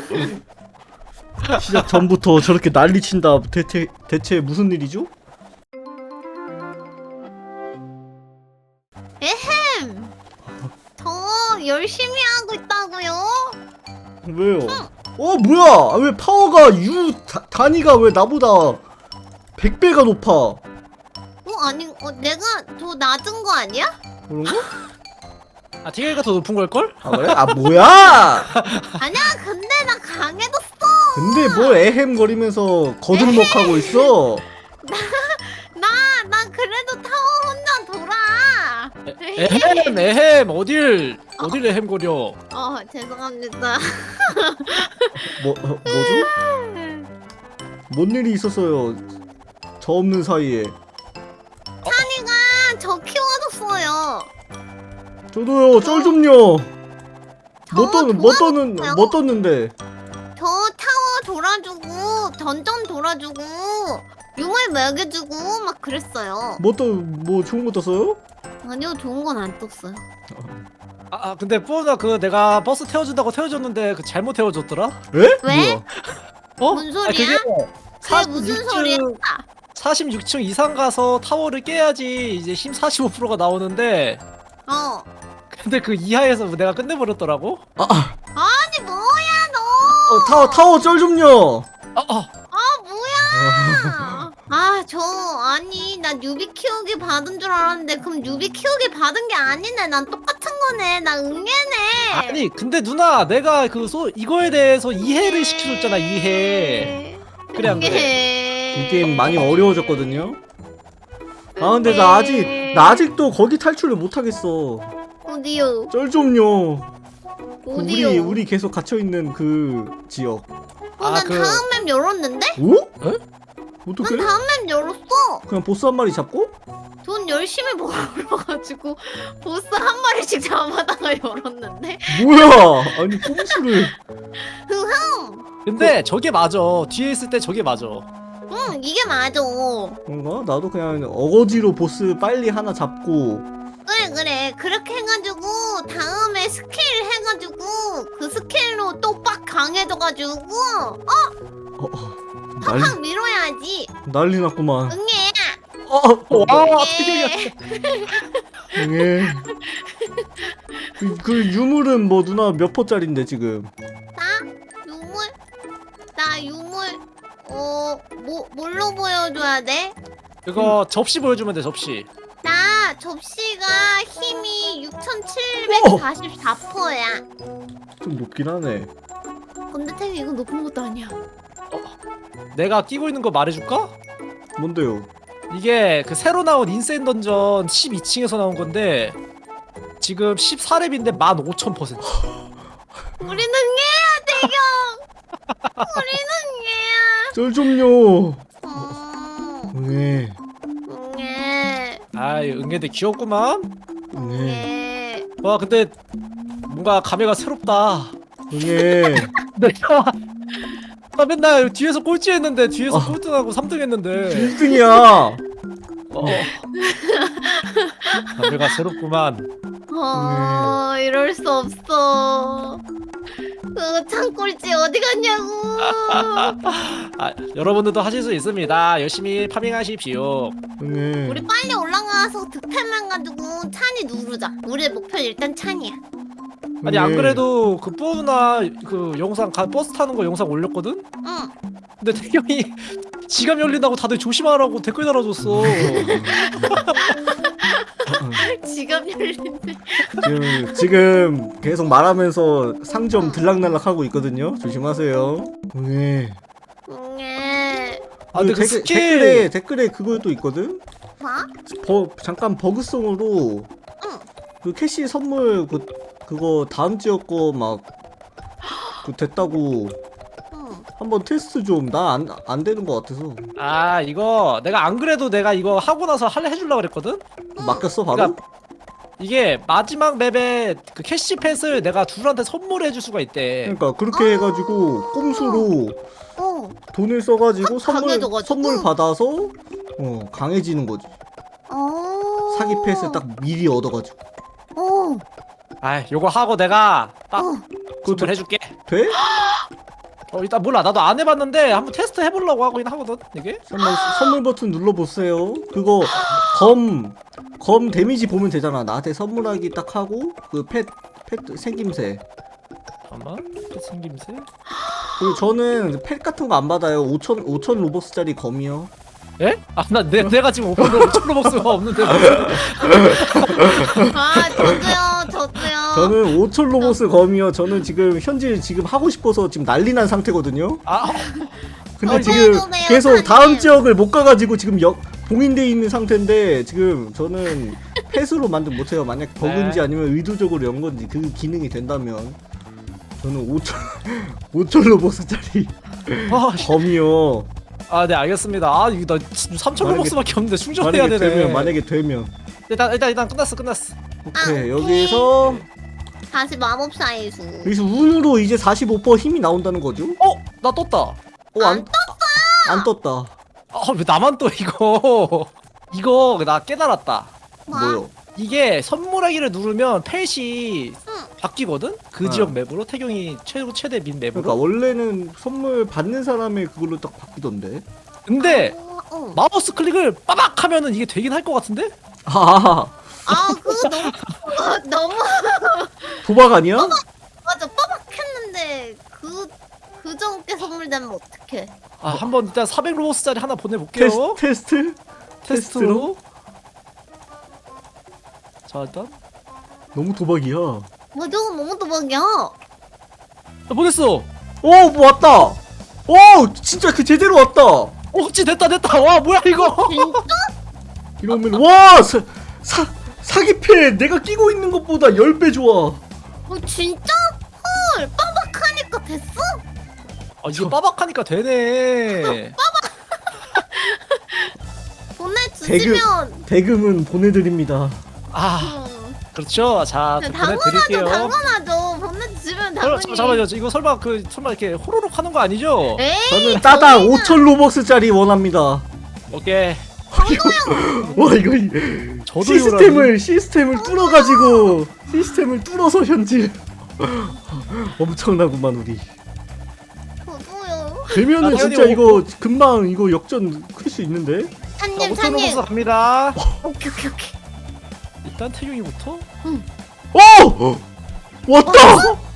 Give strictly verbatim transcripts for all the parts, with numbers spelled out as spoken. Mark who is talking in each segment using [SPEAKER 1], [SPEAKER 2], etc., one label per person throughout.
[SPEAKER 1] 시작 전부터 저렇게 난리친다. 대체 대체 무슨 일이죠?
[SPEAKER 2] 에헴. 저 열심히 하고 있다고요.
[SPEAKER 1] 왜요? 어 뭐야? 아, 왜 파워가 유 다, 단위가 왜 나보다 백 배가 높아?
[SPEAKER 2] 어 아니 어 내가 더 낮은 거 아니야?
[SPEAKER 1] 그런가?
[SPEAKER 3] 아 티겔가 더 높은 걸걸?
[SPEAKER 1] 아 그래? 아 뭐야?
[SPEAKER 2] 아니야 근데 나 강해졌어.
[SPEAKER 1] 근데 뭘 에헴 거리면서 거들먹하고 있어?
[SPEAKER 2] 나 나 그래도 타워 혼자 돌아.
[SPEAKER 3] 에헴 에헴 어딜 어딜 에헴거려.
[SPEAKER 2] 어 죄송합니다.
[SPEAKER 1] 뭐 어, 뭐죠? 뭔 일이 있었어요? 저 없는 사이에.
[SPEAKER 2] 찬이가 저 키워줬어요.
[SPEAKER 1] 저도요. 쩔 좀요. 뭐
[SPEAKER 2] 저
[SPEAKER 1] 떴, 뭐 떴는,
[SPEAKER 2] 도와줬어요.
[SPEAKER 1] 뭐 떴는데?
[SPEAKER 2] 저 타워 돌아주고 던전 돌아주고 유물 먹여주고 막 그랬어요.
[SPEAKER 1] 뭐 떴, 뭐 좋은 거 떴어요?
[SPEAKER 2] 아니요 좋은 건 안 떴어요.
[SPEAKER 3] 아, 아 근데 뿌나 그 내가 버스 태워준다고 태워줬는데 그 잘못 태워줬더라?
[SPEAKER 1] 에?
[SPEAKER 2] 왜?
[SPEAKER 1] 뭐야?
[SPEAKER 3] 어?
[SPEAKER 2] 뭔 소리야?
[SPEAKER 3] 아, 그게
[SPEAKER 2] 그게 무슨 소리야?
[SPEAKER 3] 사십육 층 이상 가서 타워를 깨야지 이제 힘 사십오 퍼센트가 나오는데
[SPEAKER 2] 어.
[SPEAKER 3] 근데 그 이하에서 내가 끝내버렸더라고?
[SPEAKER 1] 아, 아,
[SPEAKER 2] 아니 뭐야 너?
[SPEAKER 1] 어, 타워, 타워 쩔 좀요.
[SPEAKER 3] 아, 아.
[SPEAKER 2] 아 뭐야? 아 저 아니 나 뉴비 키우기 받은 줄 알았는데 그럼 뉴비 키우기 받은 게 아니네. 난 똑같은 거네. 나 응애네.
[SPEAKER 3] 아니 근데 누나 내가 그 소, 이거에 대해서 이해를 시켜줬잖아 이해. 그래 안 그래?
[SPEAKER 2] 응애.
[SPEAKER 1] 이 게임 많이 어려워졌거든요. 아, 근데 나 아직, 나 아직도 거기 탈출을 못 하겠어.
[SPEAKER 2] 어디요?
[SPEAKER 1] 쩔 좀요. 그 우리,
[SPEAKER 2] 어디요?
[SPEAKER 1] 우리 계속 갇혀있는 그 지역.
[SPEAKER 2] 어,
[SPEAKER 3] 아,
[SPEAKER 2] 난
[SPEAKER 3] 그-
[SPEAKER 2] 다음 맵 열었는데?
[SPEAKER 1] 오?
[SPEAKER 3] 에?
[SPEAKER 1] 어떻게?
[SPEAKER 2] 난 다음 맵 열었어.
[SPEAKER 1] 그냥 보스 한 마리 잡고?
[SPEAKER 2] 돈 열심히 벌어가지고 보스 한 마리씩 잡아다가 열었는데.
[SPEAKER 1] 뭐야? 아니, 꼼수를.
[SPEAKER 2] 흥흥.
[SPEAKER 3] 근데 저게 맞아. 뒤에 있을 때 저게 맞아.
[SPEAKER 2] 응 이게 맞아.
[SPEAKER 1] 그런가? 나도 그냥 어거지로 보스 빨리 하나 잡고.
[SPEAKER 2] 그래 그래 그렇게 해가지고 다음에 스킬 해가지고 그 스킬로 또 빡 강해져가지고 어?
[SPEAKER 1] 어, 어, 난리,
[SPEAKER 2] 팍팍 밀어야지.
[SPEAKER 1] 난리 났구만.
[SPEAKER 2] 응애.
[SPEAKER 1] 어, 어,
[SPEAKER 3] 와
[SPEAKER 2] 응애.
[SPEAKER 1] 예. 그, 그 유물은 뭐 누나 몇 퍼짜린데 지금?
[SPEAKER 2] 나 유물 나 유물 어뭐 뭘로 보여줘야 돼?
[SPEAKER 3] 이거 접시 보여주면 돼 접시.
[SPEAKER 2] 나 접시가 힘이 육천칠백사십사 퍼센트야.
[SPEAKER 1] 좀 높긴 하네.
[SPEAKER 2] 근데 태기 이건 높은 것도 아니야.
[SPEAKER 3] 내가 끼고 있는 거 말해줄까?
[SPEAKER 1] 뭔데요?
[SPEAKER 3] 이게 그 새로 나온 인센 던전 십이 층에서 나온 건데 지금 십사 렙인데 만 오천 퍼센트.
[SPEAKER 2] 우리는 응애야 대경. 우리는
[SPEAKER 1] 쩔 좀요.
[SPEAKER 2] 응애야. 음,
[SPEAKER 1] 네,
[SPEAKER 2] 응애.
[SPEAKER 3] 아이 응애들 귀엽구만.
[SPEAKER 1] 네,
[SPEAKER 2] 응애.
[SPEAKER 3] 와 근데 뭔가 감회가 새롭다.
[SPEAKER 1] 네.
[SPEAKER 3] 내가 나 맨날 뒤에서 꼴찌했는데 뒤에서
[SPEAKER 1] 아.
[SPEAKER 3] 꼴등하고 삼 등 했는데
[SPEAKER 1] 일 등이야.
[SPEAKER 3] 어. 감회가 새롭구만.
[SPEAKER 2] 어 이럴 수 없어. 그 창꼴찌 어디 갔냐고.
[SPEAKER 3] 아, 여러분들도 하실 수 있습니다. 열심히 파밍하십시오.
[SPEAKER 1] 네.
[SPEAKER 2] 우리 빨리 올라가서 득템만 가지고 찬이 누르자. 우리의 목표는 일단 찬이야.
[SPEAKER 3] 아니 안 그래도 그 뿌나 그 영상 가, 버스 타는 거 영상 올렸거든?
[SPEAKER 2] 응.
[SPEAKER 3] 근데 태경이 지갑 열린다고 다들 조심하라고 댓글 달아줬어.
[SPEAKER 2] 지갑 열린데.
[SPEAKER 1] 지금 지금 계속 말하면서 상점 들락날락 하고 있거든요. 조심하세요. 네.
[SPEAKER 2] 응애.
[SPEAKER 3] 아 근데 그
[SPEAKER 1] 댓글,
[SPEAKER 3] 스킬
[SPEAKER 1] 댓글에 댓글에 그것도 있거든.
[SPEAKER 2] 뭐?
[SPEAKER 1] 버, 잠깐 버그성으로
[SPEAKER 2] 응.
[SPEAKER 1] 그 캐시 선물 그 그거 다음 지역 거 막 그 됐다고
[SPEAKER 2] 응.
[SPEAKER 1] 한번 테스트 좀. 나 안 안 되는 거 같아서
[SPEAKER 3] 아 이거 내가 안 그래도 내가 이거 하고 나서 할래 해주려고 그랬거든?
[SPEAKER 1] 맡겼어 바로.
[SPEAKER 3] 그러니까 이게 마지막 맵에 그 캐시 펫을 내가 둘한테 선물해줄 수가 있대.
[SPEAKER 1] 그러니까 그렇게 해가지고 꼼수로
[SPEAKER 2] 어.
[SPEAKER 1] 돈을 써가지고
[SPEAKER 2] 확
[SPEAKER 1] 선물
[SPEAKER 2] 강해져가지고?
[SPEAKER 1] 선물 받아서 어 강해지는 거지.
[SPEAKER 2] 어.
[SPEAKER 1] 사기 펫을 딱 미리 얻어가지고.
[SPEAKER 2] 어.
[SPEAKER 3] 아 요거 하고 내가 딱
[SPEAKER 2] 어.
[SPEAKER 1] 그거
[SPEAKER 3] 선물해줄게.
[SPEAKER 1] 돼?
[SPEAKER 3] 어 일단 몰라 나도 안 해봤는데 한번 테스트 해보려고 하긴 하거든 이게.
[SPEAKER 1] 선물, 선물 버튼 눌러보세요. 그거 검, 검 데미지 보면 되잖아. 나한테 선물하기 딱 하고 그 펫, 펫 생김새.
[SPEAKER 3] 잠깐만 생김새.
[SPEAKER 1] 그리고 저는 펫 같은 거 안 받아요. 오천, 오천 로벅스짜리 검이요.
[SPEAKER 3] 에? 아나 내가 지금 오픈로 오천 로벅스가 없는데.
[SPEAKER 2] 아 저도요 저도요.
[SPEAKER 1] 저는 오천 로벅스 검이요. 저는 지금 현질 지금 하고 싶어서 지금 난리 난 상태거든요.
[SPEAKER 3] 아
[SPEAKER 1] 근데
[SPEAKER 3] 아니,
[SPEAKER 1] 지금
[SPEAKER 2] 해주세요,
[SPEAKER 1] 계속
[SPEAKER 2] 사장님.
[SPEAKER 1] 다음 지역을 못 가가지고 지금 역 봉인돼 있는 상태인데 지금 저는 펫으로 만든 못해요. 만약 버그인지
[SPEAKER 3] 네.
[SPEAKER 1] 아니면 의도적으로 연 건지 그 기능이 된다면 저는 오천 오천 로벅스짜리
[SPEAKER 3] 아, 씨.
[SPEAKER 1] 검이요.
[SPEAKER 3] 아, 네 알겠습니다. 아 이거 나 삼천
[SPEAKER 1] 만약에-
[SPEAKER 3] 로벅스밖에 없는데 충전해야
[SPEAKER 1] 만약에
[SPEAKER 3] 되네.
[SPEAKER 1] 되면 만약에 되면
[SPEAKER 3] 일단 일단 일단 끝났어 끝났어.
[SPEAKER 1] 오케이
[SPEAKER 2] 아,
[SPEAKER 1] 여기에서
[SPEAKER 2] 다시 마법사의 수.
[SPEAKER 1] 여기서 운으로 이제 사십오 퍼센트 힘이 나온다는 거죠?
[SPEAKER 3] 어? 나 떴다.
[SPEAKER 1] 어, 안 떴다. 안 떴다.
[SPEAKER 3] 아 왜 나만 또 이거. 이거 나 깨달았다.
[SPEAKER 2] 뭐?
[SPEAKER 1] 뭐요?
[SPEAKER 3] 이게 선물하기를 누르면 펫이
[SPEAKER 2] 응.
[SPEAKER 3] 바뀌거든? 그
[SPEAKER 1] 어.
[SPEAKER 3] 지역 맵으로 태경이 최고 최대 민 맵으로.
[SPEAKER 1] 그러니까 원래는 선물 받는 사람의 그걸로 딱 바뀌던데.
[SPEAKER 3] 근데
[SPEAKER 2] 어, 어.
[SPEAKER 3] 마우스 클릭을 빠박 하면은 이게 되긴 할 것 같은데?
[SPEAKER 1] 아
[SPEAKER 2] 아 그거 너무 어, 너무
[SPEAKER 1] 도박 아니야?
[SPEAKER 2] 맞아 빠박했는데 그 그저께 선물되면 어떡해?
[SPEAKER 3] 아 한번 일단 사백 로벅스짜리 하나 보내볼게요.
[SPEAKER 1] 테스트? 테스트?
[SPEAKER 3] 테스트로. 자 일단
[SPEAKER 1] 너무 도박이야. 오,
[SPEAKER 2] 뭐 저거 너무 도박이야.
[SPEAKER 3] 나 보냈어.
[SPEAKER 1] 뭐 왔다. 오, 진짜 그 제대로 왔다.
[SPEAKER 3] 어 그치 됐다 됐다. 와 뭐야 이거.
[SPEAKER 2] 진짜?
[SPEAKER 1] 이러면 와, 사, 사 사기패 내가 끼고 있는 것보다 십 배 좋아.
[SPEAKER 2] 어 진짜? 헐 빠박하니까 됐어?
[SPEAKER 3] 아 이게 빠박하니까 되네.
[SPEAKER 2] 보내주시면
[SPEAKER 1] 대금은 보내드립니다.
[SPEAKER 3] 아
[SPEAKER 2] 음,
[SPEAKER 3] 그렇죠. 자 또
[SPEAKER 2] 당연하죠
[SPEAKER 3] 보내드릴게요.
[SPEAKER 2] 당연하죠 보내주시면
[SPEAKER 3] 어,
[SPEAKER 2] 당연히
[SPEAKER 3] 잠- 잠깐만요. 저 이거 설마 그 설마 이렇게 호로록 하는 거 아니죠?
[SPEAKER 2] 에이
[SPEAKER 1] 저는 따당
[SPEAKER 2] 저희는
[SPEAKER 1] 오천 로벅스짜리 원합니다.
[SPEAKER 3] 오케이.
[SPEAKER 1] 와 이거 이-
[SPEAKER 3] 저도
[SPEAKER 1] 시스템을 시스템을 뚫어가지고 시스템을 뚫어서 현질. 엄청나구만 우리.
[SPEAKER 2] 저도요
[SPEAKER 1] 되면은
[SPEAKER 3] 아,
[SPEAKER 1] 진짜
[SPEAKER 3] 당연히
[SPEAKER 1] 이거 금방 이거 역전 클 수 있는데.
[SPEAKER 2] 찬님
[SPEAKER 3] 오천
[SPEAKER 2] 찬님
[SPEAKER 3] 로벅스 갑니다.
[SPEAKER 2] 오케이 오케이 오케이
[SPEAKER 3] 일단 태경이부터.
[SPEAKER 1] 오! 왔다!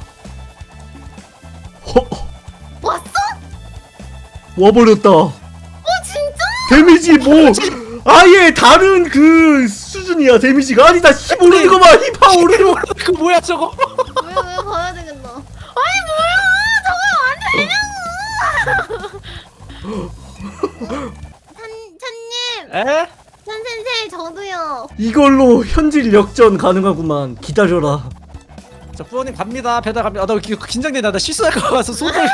[SPEAKER 1] 어,
[SPEAKER 2] 왔어?
[SPEAKER 1] 와버렸다.
[SPEAKER 2] 어 진짜?
[SPEAKER 1] 데미지 뭐 아예 다른 그 수준이야. 데미지가 아니 나 힘 오르는 거 봐. 힘파 오르는 거.
[SPEAKER 3] 그 뭐야 저거?
[SPEAKER 2] 왜 왜 봐야 되겠나 아니 뭐야 저거 안 되냐고 찬 찬님
[SPEAKER 3] 에?
[SPEAKER 2] 찬센세 저도요
[SPEAKER 1] 이걸로 현질 역전 가능하구만. 기다려라.
[SPEAKER 3] 자 부모님 갑니다. 배달 갑니다. 아, 나 이거 긴장된다. 나 실수할 것 같아서 손을.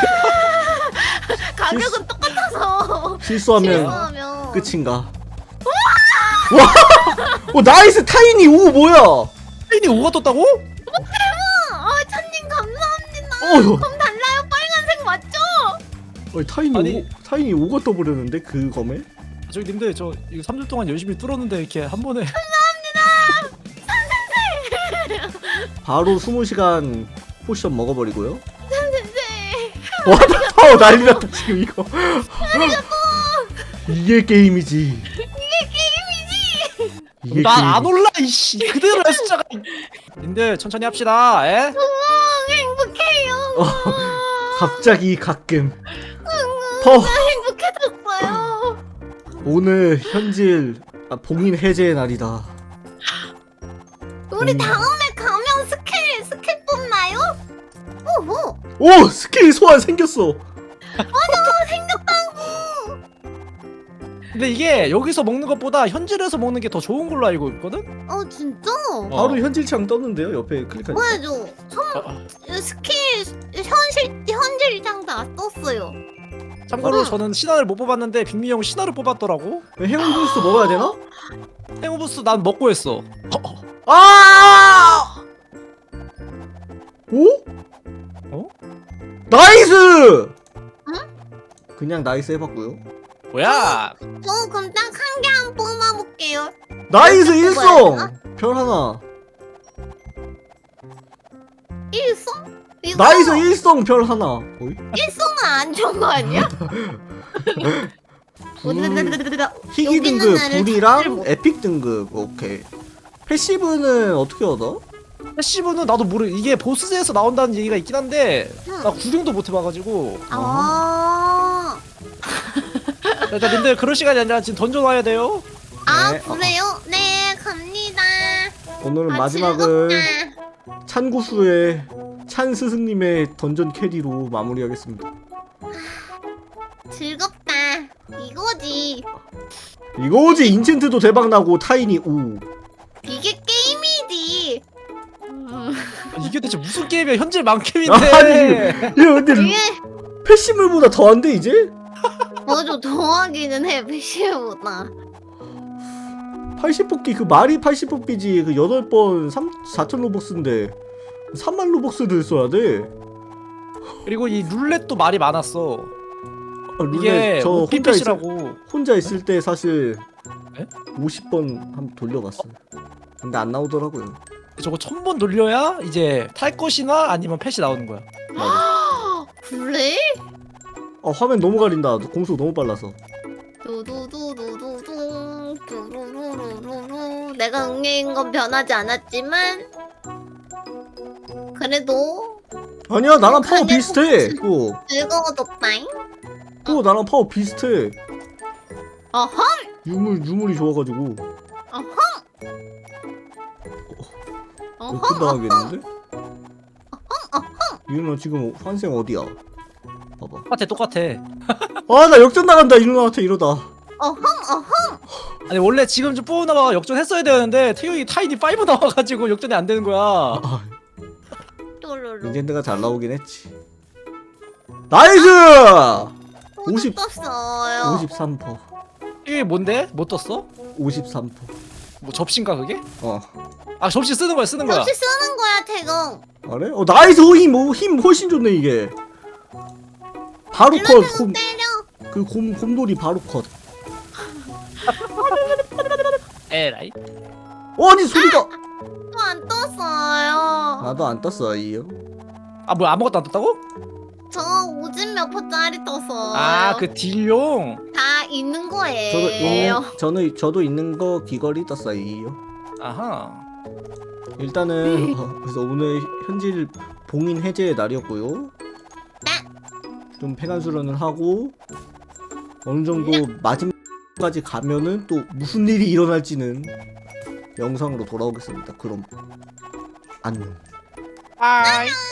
[SPEAKER 2] 가격은 똑같아서
[SPEAKER 1] 실수하면
[SPEAKER 2] 실수하면
[SPEAKER 1] 끝인가? 와! 어 나이스 타이니 오 뭐야?
[SPEAKER 3] 페인이 오가 떴다고?
[SPEAKER 2] 아 찬님 감사합니다
[SPEAKER 1] 어,
[SPEAKER 2] 그럼 달라요 빨간색 맞죠?
[SPEAKER 1] 어 타이니
[SPEAKER 3] 아니.
[SPEAKER 1] 오 타이니 오가 떠버렸는데 그 검에?
[SPEAKER 3] 저기 님들 저 이거 삼 주 동안 열심히 뚫었는데 이렇게 한 번에.
[SPEAKER 1] 바로 스무 시간 포션 먹어버리고요.
[SPEAKER 2] 찬센세
[SPEAKER 1] 와, 어 난리 났다 지금 이거. 이게 게임이지. 이게
[SPEAKER 3] 나 안
[SPEAKER 1] 게임.
[SPEAKER 3] 올라 이씨. 그대로야 숫자가. 님들 천천히 합시다. 에?
[SPEAKER 2] 너무 행복해요
[SPEAKER 1] 어, 갑자기 가끔. 퍼
[SPEAKER 2] 행복해졌어요
[SPEAKER 1] 오늘 현질 아, 봉인 해제의 날이다.
[SPEAKER 2] 우리
[SPEAKER 1] 음.
[SPEAKER 2] 다음에 가면 스킬 스킬 뽑나요? 오호
[SPEAKER 1] 오 스킬 소환 생겼어.
[SPEAKER 3] 근데 이게 여기서 먹는 것보다 현질에서 먹는 게 더 좋은 걸로 알고 있거든?
[SPEAKER 2] 어 진짜?
[SPEAKER 3] 어.
[SPEAKER 1] 바로 현질창 떴는데요. 옆에 클릭하니까.
[SPEAKER 2] 뭐야죠? 선
[SPEAKER 3] 아, 아.
[SPEAKER 2] 스킬 현실 현실장 다 떴어요.
[SPEAKER 3] 참고로
[SPEAKER 2] 어.
[SPEAKER 3] 저는 신화를 못 뽑았는데 빅미 형 신화를 뽑았더라고.
[SPEAKER 1] 행운 부스트 먹어야 되나?
[SPEAKER 3] 행오부스 난 먹고 했어. 어, 어.
[SPEAKER 1] 아! 오?
[SPEAKER 3] 어?
[SPEAKER 1] 나이스! 그냥 나이스 해봤고요.
[SPEAKER 3] 뭐야?
[SPEAKER 2] 저 그럼 딱 한 개 한 뽑아볼게요.
[SPEAKER 1] 나이스
[SPEAKER 2] 몇 개 뽑아야
[SPEAKER 1] 일성! 별 하나.
[SPEAKER 2] 일성? 이거
[SPEAKER 1] 나이스 일성 별 하나. 어이?
[SPEAKER 2] 일성은 안 좋은 거 아니야?
[SPEAKER 1] 불, 희귀
[SPEAKER 2] 여기 있는
[SPEAKER 1] 등급
[SPEAKER 2] 애를 찾지를
[SPEAKER 1] 불이랑
[SPEAKER 2] 못-
[SPEAKER 1] 에픽 등급. 오케이. 패시브는 어떻게 얻어?
[SPEAKER 3] 패시브는 나도 모르. 이게 보스에서 나온다는 얘기가 있긴 한데
[SPEAKER 2] 응.
[SPEAKER 3] 나 구경도 못 해봐가지고.
[SPEAKER 2] 아,
[SPEAKER 3] 일단 님들 그럴 시간이 아니라 지금 던져 놔야 돼요.
[SPEAKER 2] 아
[SPEAKER 1] 네.
[SPEAKER 2] 그래요? 네 갑니다.
[SPEAKER 1] 오늘은
[SPEAKER 2] 아,
[SPEAKER 1] 마지막을
[SPEAKER 2] 즐겁다.
[SPEAKER 1] 찬구수의 찬 스승님의 던전 캐리로 마무리하겠습니다.
[SPEAKER 2] 즐겁다. 이거지.
[SPEAKER 1] 이거지. 인챈트도 대박 나고 타인이 우.
[SPEAKER 2] 이게 게임이지. 음,
[SPEAKER 3] 이게 대체 무슨 게임이야? 현질 만캠인데.
[SPEAKER 1] 아니, 야 근데
[SPEAKER 2] 이게
[SPEAKER 1] 패시블보다 더한데 이제?
[SPEAKER 2] 맞아 더하기는 해 패시브보다.
[SPEAKER 1] 팔십 뽑기 그 말이 팔십 뽑기지. 그 여덟 번 사천 로벅스인데 삼만 로벅스를 써야 돼.
[SPEAKER 3] 그리고 이 룰렛도 말이 많았어.
[SPEAKER 1] 아, 룰렛
[SPEAKER 3] 이게
[SPEAKER 1] 저 혼자 있을,
[SPEAKER 3] 오피펫이라고.
[SPEAKER 1] 혼자 있을 때 사실
[SPEAKER 3] 에?
[SPEAKER 1] 오십 번 한번 돌려봤어요. 근데 안 나오더라고요.
[SPEAKER 3] 저거 천 번 돌려야 이제 탈 것이나 아니면 펫이 나오는 거야.
[SPEAKER 2] 그래?
[SPEAKER 1] 아 화면 너무 가린다. 공속 너무 빨라서.
[SPEAKER 2] 두두두두두두 두루루루루루. 내가 응애인 건 변하지 않았지만 그래도
[SPEAKER 1] 아니야 나랑 파워
[SPEAKER 2] 북한의
[SPEAKER 1] 비슷해.
[SPEAKER 2] 복수.
[SPEAKER 1] 또,
[SPEAKER 2] 즐거워졌다잉.
[SPEAKER 1] 또 나랑 파워 비슷해.
[SPEAKER 2] 어허
[SPEAKER 1] 유물 유물이 좋아가지고
[SPEAKER 2] 어허
[SPEAKER 1] 역전 당하겠는데? 이누나 지금 환생 어디야? 봐봐.
[SPEAKER 3] 똑같아 똑같아.
[SPEAKER 1] 아 나 역전 나간다 이누나한테 이러다.
[SPEAKER 2] 어허 어허.
[SPEAKER 3] 아니 원래 지금 좀 뽑은 나가 역전했어야 되는데 태용이 타이니 오 나와가지고 역전이 안 되는 거야.
[SPEAKER 1] 아,
[SPEAKER 2] 똘똘똘.
[SPEAKER 1] 인젠드가 잘 나오긴 했지. 나이스! 오십
[SPEAKER 2] 떴어요.
[SPEAKER 1] 오십삼 퍼센트.
[SPEAKER 3] 이게 뭔데? 못 떴어?
[SPEAKER 1] 오십삼 퍼센트.
[SPEAKER 3] 뭐 접시인가 그게?
[SPEAKER 1] 어.
[SPEAKER 3] 아 접시 쓰는 거야 쓰는 거야.
[SPEAKER 2] 역시 쓰는 거야 태경.
[SPEAKER 1] 그래? 어 나이스 힘, 오, 힘 훨씬 좋네 이게. 바로 컷.
[SPEAKER 2] 일로
[SPEAKER 1] 곰,
[SPEAKER 2] 때려.
[SPEAKER 1] 그 곰, 곰돌이 바로 컷.
[SPEAKER 3] 에라이.
[SPEAKER 1] 어, 아니 소리가.
[SPEAKER 2] 또 안 떴어요.
[SPEAKER 1] 나도 안 떴어 이요.
[SPEAKER 3] 아 뭐야 아무것도 안 떴다고?
[SPEAKER 2] 저 오십 몇 퍼짜리 떴어요.
[SPEAKER 3] 아 그 딜용.
[SPEAKER 2] 다 있는 거예요.
[SPEAKER 1] 저도 있는, 저는 저도 있는 거 귀걸이 떴어 이요.
[SPEAKER 3] 아하.
[SPEAKER 1] 일단은 어, 그래서 오늘 현질 봉인 해제의 날이었고요. 좀 팽한 수련을 하고 어느 정도 마지막까지 가면은 또 무슨 일이 일어날지는 영상으로 돌아오겠습니다. 그럼 안녕.
[SPEAKER 3] 아이.